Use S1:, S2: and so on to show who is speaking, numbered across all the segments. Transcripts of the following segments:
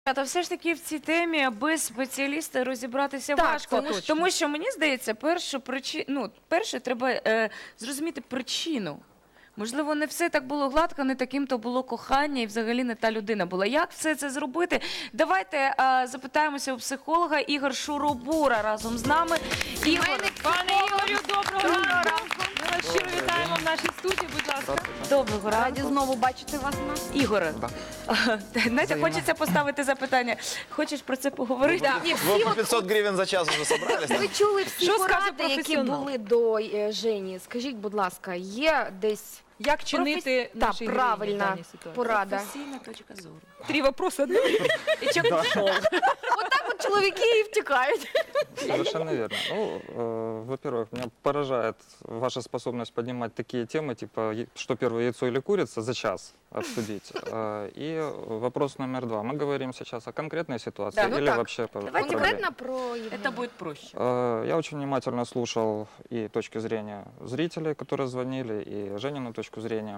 S1: Та все ж таки в цій темі без спеціаліста розібратися
S2: Так,
S1: важко.
S2: це точно.
S1: Тому що, мені здається, перше треба зрозуміти причину. Можливо, не все так було гладко, не таким то було кохання і взагалі не та людина була. Як все це зробити? Давайте запитаємося у психолога. Ігор Шуробура разом з нами.
S3: Пане Ігорю, доброго ранку. Ми вас щиро вітаємо в нашій студії, будь ласка.
S1: Доброго
S2: Раді
S1: ранку.
S2: знову бачити вас у нас.
S1: Ігоре, знаєте, хочеться поставити запитання. Хочеш про це поговорити?
S2: Ні,
S4: Вы
S2: всі
S4: по
S2: от
S4: 500 гривен за час уже собрались?
S2: ви чули всі
S3: Що скаже
S2: поради, які
S3: професіонал?
S2: були до Жені. Скажіть, будь ласка, є десь
S3: Як чинити
S2: та,
S3: нашій героїні в
S2: правильна
S3: даній ситуації?
S2: порада?
S1: Професійна точка зору.
S3: 3 вопроси одне.
S1: І чек пішов.
S2: Отак от чоловіки і втікають.
S5: Совершенно верно. Ну, во-первых, меня поражает ваша способность поднимать такие темы, типа, что первое, яйцо или курица, за час обсудить. И вопрос номер 2. Мы говорим сейчас о конкретной ситуации
S2: Да, ну
S5: или
S2: так.
S5: вообще по
S1: Давайте
S5: проблеме?
S2: Конкретно про Євгенія.
S1: Це буде проще.
S5: Я очень внимательно слушал и точки зрения зрителей, которые звонили, и Женину точку зрения.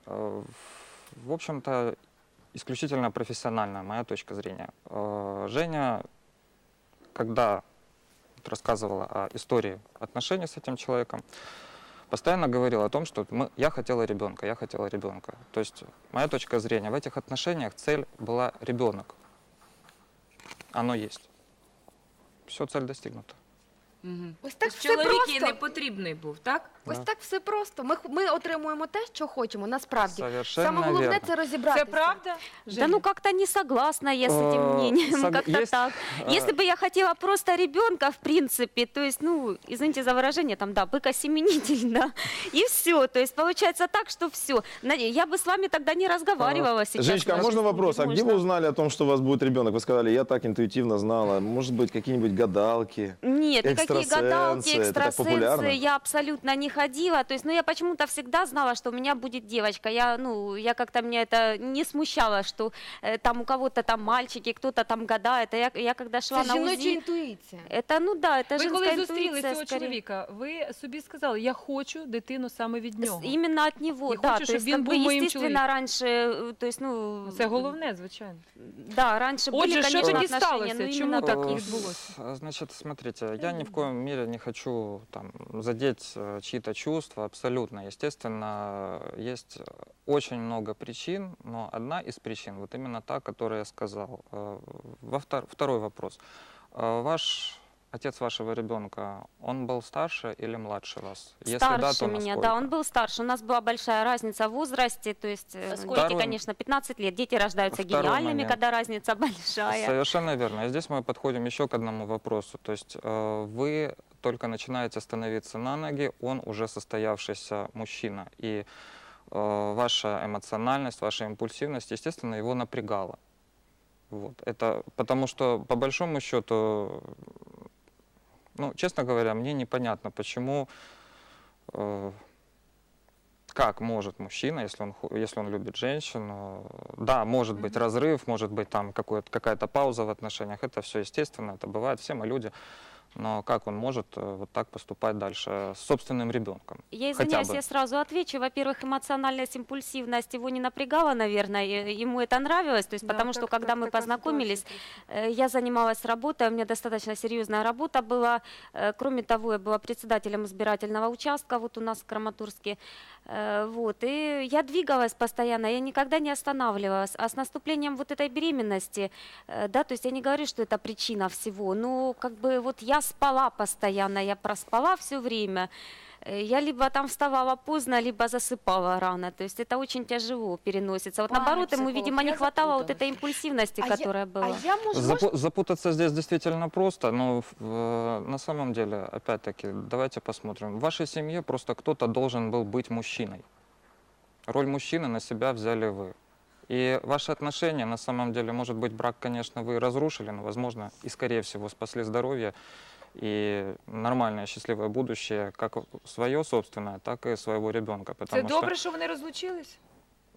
S5: В общем-то, исключительно профессиональная моя точка зрения. Женя, когда рассказывала о истории отношений с этим человеком, постоянно говорила о том, что я хотела ребенка, я хотела ребенка. То есть моя точка зрения, в этих отношениях цель была ребенок. Оно есть. Все, цель достигнута.
S2: Ось так все
S1: Чоловік їй
S2: просто.
S1: не потрібний був, так?
S2: Ось так все просто. Ми отримуємо те, що хочемо, насправді.
S5: Совершенно
S2: Саме головне
S5: верно.
S2: це розібратися.
S3: Це правда?
S6: Да ну как-то не согласна я с этим мнением, как-то
S5: есть,
S6: так. Если бы я хотела просто ребенка, в принципе, то есть, ну, извините за выражение, там, да, быкосеменитель, да, и все. То есть получается так, что все. Я бы с вами тогда не разговаривала сейчас.
S4: Женечка, а
S6: даже.
S4: можно вопрос? А где
S6: Можно.
S4: вы узнали о том, что у вас будет ребенок? Вы сказали, я так интуитивно знала. Может быть, какие-нибудь гадалки?
S6: Нет, никакие гадалки,
S4: Экстрасенсы, это так популярно?
S6: экстрасенсы, я абсолютно не ходила. То есть, ну, я почему-то всегда знала, что у меня будет девочка. Я как-то меня это не смущало, что там у кого-то там мальчики, кто-то там гадает. А я когда шла
S2: Це
S6: на
S2: жіноча
S6: УЗИ,
S2: інтуїція.
S6: это, ну да, это
S3: Ви
S6: женская
S3: коли зустріли
S6: интуиция
S3: цього
S6: скорее.
S3: чоловіка, ви собі сказали, я хочу дитину саме від нього.
S6: Именно от него,
S3: И
S6: да.
S3: хочешь,
S6: То
S3: чтобы
S6: есть,
S3: він
S6: как
S3: був
S6: бы,
S3: моїм
S6: естественно,
S3: чоловіком.
S6: раньше, то есть, ну...
S3: Це головне, звичайно.
S6: Да, раньше
S3: Отже,
S6: были,
S3: що
S6: конечно,
S3: тоді
S6: отношения,
S3: сталося?
S6: но
S3: Чому
S6: именно
S3: так
S6: так
S3: і
S6: их
S3: відбулося?
S5: Значит, смотрите, я ни в коем мере не хочу там задеть чьи-то чувства, абсолютно. Естественно, есть очень много причин, но одна из причин, вот именно та, которую я сказал. Второй вопрос. Ваш отец вашего ребенка, он был старше или младше вас? Если да,
S6: Старше
S5: то
S6: меня,
S5: насколько?
S6: да, он был старше. У нас была большая разница в возрасте, то есть дети,
S5: Второй-
S6: конечно, 15 лет. Дети рождаются
S5: Второй
S6: гениальными,
S5: момент.
S6: когда разница большая.
S5: Совершенно верно. И здесь мы подходим еще к одному вопросу. То есть вы только начинаете становиться на ноги, он уже состоявшийся мужчина. И ваша эмоциональность, ваша импульсивность, естественно, его напрягала. Вот. Это потому что, по большому счету, ну, честно говоря, мне непонятно, почему, как может мужчина, если он любит женщину, да, может быть разрыв, может быть там какая-то пауза в отношениях, это все естественно, это бывает, все мы люди, но как он может вот так поступать дальше с собственным ребенком?
S6: Я
S5: Хотя
S6: извиняюсь,
S5: бы.
S6: я сразу отвечу. Во-первых, эмоциональность, импульсивность его не напрягала, наверное, ему это нравилось, то есть
S3: Да,
S6: потому что
S3: так-
S6: когда
S3: так-
S6: мы
S3: такая
S6: познакомились,
S3: ситуация
S6: я занималась работой, у меня достаточно серьезная работа была. Кроме того, я была председателем избирательного участка вот у нас в Краматорске. Вот. И я двигалась постоянно, я никогда не останавливалась. А с наступлением вот этой беременности, да, то есть я не говорю, что это причина всего, но как бы вот я спала постоянно, я проспала все время. Я либо там вставала поздно, либо засыпала рано. То есть это очень тяжело переносится. Вот
S2: Пане
S6: наоборот, ему,
S2: психолог,
S6: видимо, не
S2: я
S6: хватало вот
S2: запуталась.
S6: этой импульсивности, которая была.
S2: А я можу...
S5: Запутаться здесь действительно просто, но на самом деле, опять-таки, давайте посмотрим. В вашей семье просто кто-то должен был быть мужчиной. Роль мужчины на себя взяли вы. И ваши отношения, на самом деле, может быть, брак, конечно, вы разрушили, но, возможно, и, скорее всего, спасли здоровье и нормальное, счастливое будущее, как свое собственное, так и своего ребенка.
S3: Це
S5: Потому что
S3: добре, що вони розлучились?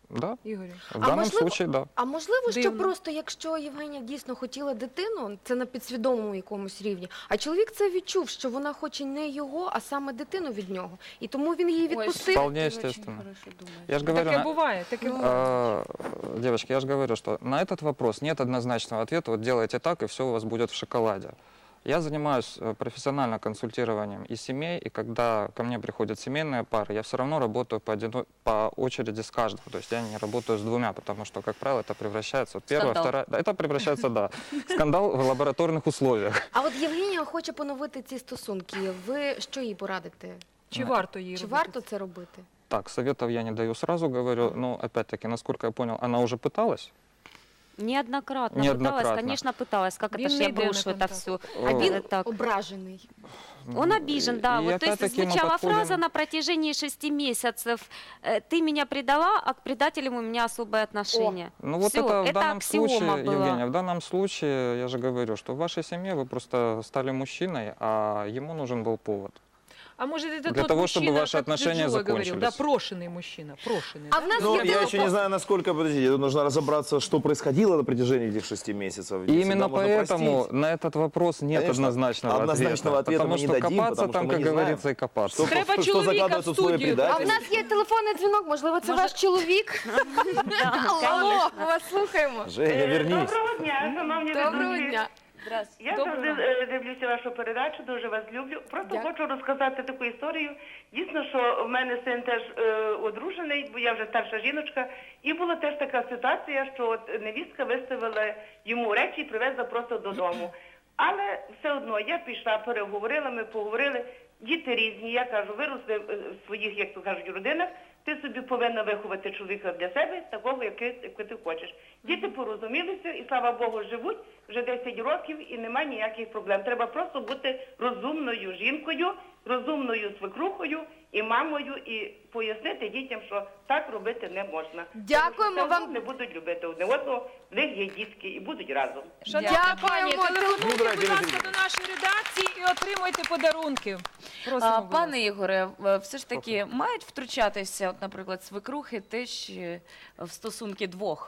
S5: Да,
S3: Ігорю.
S5: в данном
S2: можливо-
S5: случае, да.
S2: А можливо, що
S3: Дивно.
S2: просто якщо Євгенія дійсно хотіла дитину, це на підсвідомому якомусь рівні, а чоловік це відчув, що вона хоче не його, а саме дитину від нього, і тому він її відпустив.
S5: Вполне естественно. Я же говорю,
S3: Таке буває, таке буває.
S5: девочки, я же говорю, что на этот вопрос нет однозначного ответа. Вот делайте так, и все у вас будет в шоколаде. Я занимаюсь профессионально консультированием и семей, и когда ко мне приходят семейные пары, я все равно работаю по очереди с каждым. То есть я не работаю с двумя, потому что, как правило, это превращается... Первая,
S1: Скандал.
S5: вторая... Да, это превращается, да, скандал в лабораторных условиях.
S2: А от Євгенія хоче поновити ці стосунки. Ви що їй порадите?
S3: Чи варто її
S2: Чи
S3: робити?
S2: варто це робити?
S5: Так, советов я не даю, сразу говорю. Но, опять-таки, насколько я понял, она уже пыталась.
S6: Неоднократно,
S5: Неоднократно.
S6: пыталась, конечно, пыталась. Как это
S3: Він
S6: ж
S3: не
S6: я
S3: йде на
S6: брошу это
S3: контакт.
S6: все?
S2: А він
S6: так.
S2: ображений.
S6: Он обижен, да.
S5: И
S6: Вот, то есть
S5: опять-таки мы
S6: звучала
S5: подходим-
S6: фраза на протяжении 6 месяцев: «Ты меня предала, а к предателям у меня особое отношение».
S5: Ну вот
S6: Всё,
S5: это в данном
S6: аксиома
S5: случае,
S6: была.
S5: Евгения, в данном случае, я же говорю, что в вашей семье вы просто стали мужчиной, а ему нужен был повод.
S3: А может, это
S5: Для
S3: тот
S5: того,
S3: мужчина,
S5: чтобы ваши
S3: как
S5: отношения
S3: Джо говорил, да,
S5: закончились.
S3: прошенный мужчина, прошенный.
S2: А
S3: да?
S2: в нас
S4: Ну,
S2: є
S4: я еще не
S2: телефон.
S4: знаю, насколько, подождите, тут нужно разобраться, что происходило на протяжении этих 6 месяцев.
S5: И
S4: Всегда
S5: именно
S4: можно
S5: поэтому
S4: простить.
S5: на этот вопрос нет
S4: Конечно,
S5: однозначного
S4: однозначного ответа
S5: Потому
S4: мы не
S5: что
S4: дадим,
S5: копаться
S4: потому что
S5: там,
S4: мы
S5: как
S4: не
S5: говорится,
S4: знаем,
S5: и копаться.
S4: Что,
S3: Треба
S4: что
S3: чоловіка
S4: закладывается
S3: в
S4: в условия
S3: студію.
S2: А в
S4: предательства.
S2: нас є телефонний дзвінок, можливо, це ваш чоловік? Алло, ми вас слухаємо.
S4: Женя, вернись.
S7: Доброго дня, шановні
S2: Доброго
S7: ведучі.
S2: дня.
S7: Я завжди дивлюся вашу передачу, дуже вас люблю. Просто
S2: Дякую.
S7: хочу розказати таку історію. Дійсно, що в мене син теж одружений, бо я вже старша жіночка. І була теж така ситуація, що от невістка виставила йому речі і привезла просто додому. Але все одно я пішла, переговорила, ми поговорили. Діти різні, я кажу, виросли в своїх, як то кажуть, родинах. Ти собі повинна виховати чоловіка для себе, такого, який ти хочеш. Діти порозумілися і, слава Богу, живуть вже 10 років і немає ніяких проблем. Треба просто бути розумною жінкою, розумною свекрухою і мамою, і пояснити дітям, що так робити не можна.
S2: Дякуємо
S7: Тому що
S2: вам.
S7: не будуть любити одне одного, в них є дітки і будуть разом.
S3: Шановні пані,
S2: Дякуємо.
S3: телефонуйте,
S4: Мудра
S3: будь ласка,
S4: телефон.
S3: до нашої редакції і отримуйте подарунки. Просимо, будь ласка.
S1: Пане Ігоре, все ж таки мають втручатися, от, наприклад, свекрухи теж в стосунки двох?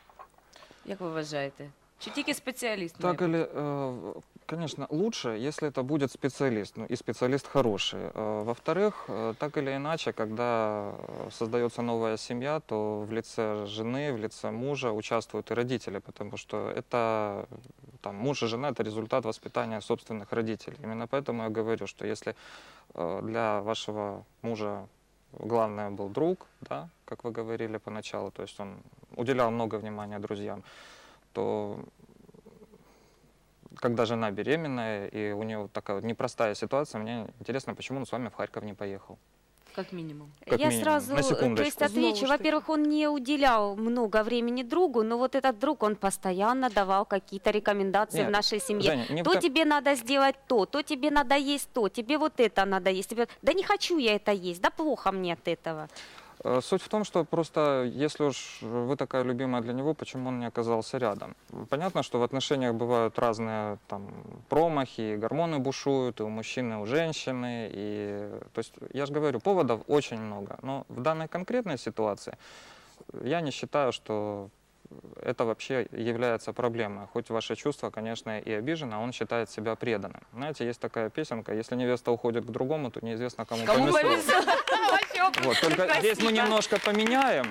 S1: Як ви вважаєте? Чи тільки спеціаліст? має
S5: Так
S1: бути?
S5: или, конечно, лучше, если это будет специалист, ну и специалист хороший. Во-вторых, так или иначе, когда создается новая семья, то в лице жены, в лице мужа участвуют и родители, потому что это там, муж и жена — это результат воспитания собственных родителей. Именно поэтому я говорю, что если для вашего мужа главное был друг, да, как вы говорили поначалу, то есть он уделял много внимания друзьям, то когда жена беременная, и у нее вот такая вот непростая ситуация, мне интересно, почему он с вами в Харьков не поехал.
S1: Як мінімум.
S5: Как
S6: Я
S5: минимум.
S6: сразу,
S5: На
S6: то есть
S5: секундочку.
S6: отвечу. Во-первых, он не уделял много времени другу, но вот этот друг, он постоянно давал какие-то рекомендации
S5: Нет,
S6: в нашей семье.
S5: Женя, не в
S6: То
S5: том-
S6: тебе надо сделать то тебе надо есть то, тебе вот это надо есть. Да не хочу я это есть, да плохо мне от этого.
S5: Суть в том, что просто, если уж вы такая любимая для него, почему он не оказался рядом? Понятно, что в отношениях бывают разные там промахи, и гормоны бушуют, и у мужчины, и у женщины. И, то есть, я же говорю, поводов очень много. Но в данной конкретной ситуации я не считаю, что это вообще является проблемой. Хоть ваше чувство, конечно, и обижено, а он считает себя преданным. Знаете, есть такая песенка: если невеста уходит к другому, то неизвестно, кому
S1: Кому
S5: повезло.
S1: повезло?
S5: Вот, только здесь мы немножко поменяем.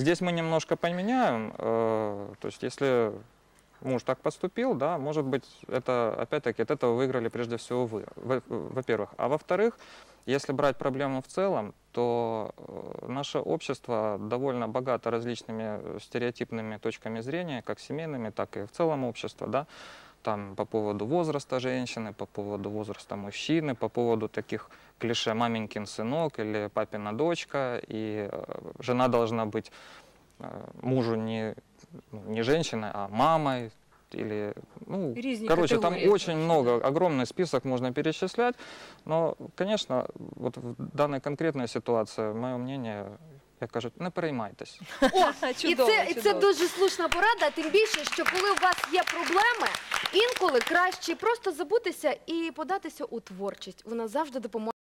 S5: То есть, если муж так поступил, да, может быть, это, опять-таки, от этого выиграли прежде всего вы, во-первых. А во-вторых, если брать проблему в целом, то наше общество довольно богато различными стереотипными точками зрения, как семейными, так и в целом общество, да, там по поводу возраста женщины, по поводу возраста мужчины, по поводу таких клише «маменькин сынок» или «папина дочка», и жена должна быть мужу не женщиной, а мамой, или, ну,
S3: Різні
S5: короче,
S3: категорії.
S5: там очень много, огромный список можно перечислять, но, конечно, вот в данной конкретной ситуации, мое мнение, як кажуть, не переймайтесь.
S3: Чудово,
S2: І це
S3: чудово.
S2: дуже слушна порада, тим більше, що коли у вас є проблеми, інколи краще просто забутися і податися у творчість. Вона завжди допоможе.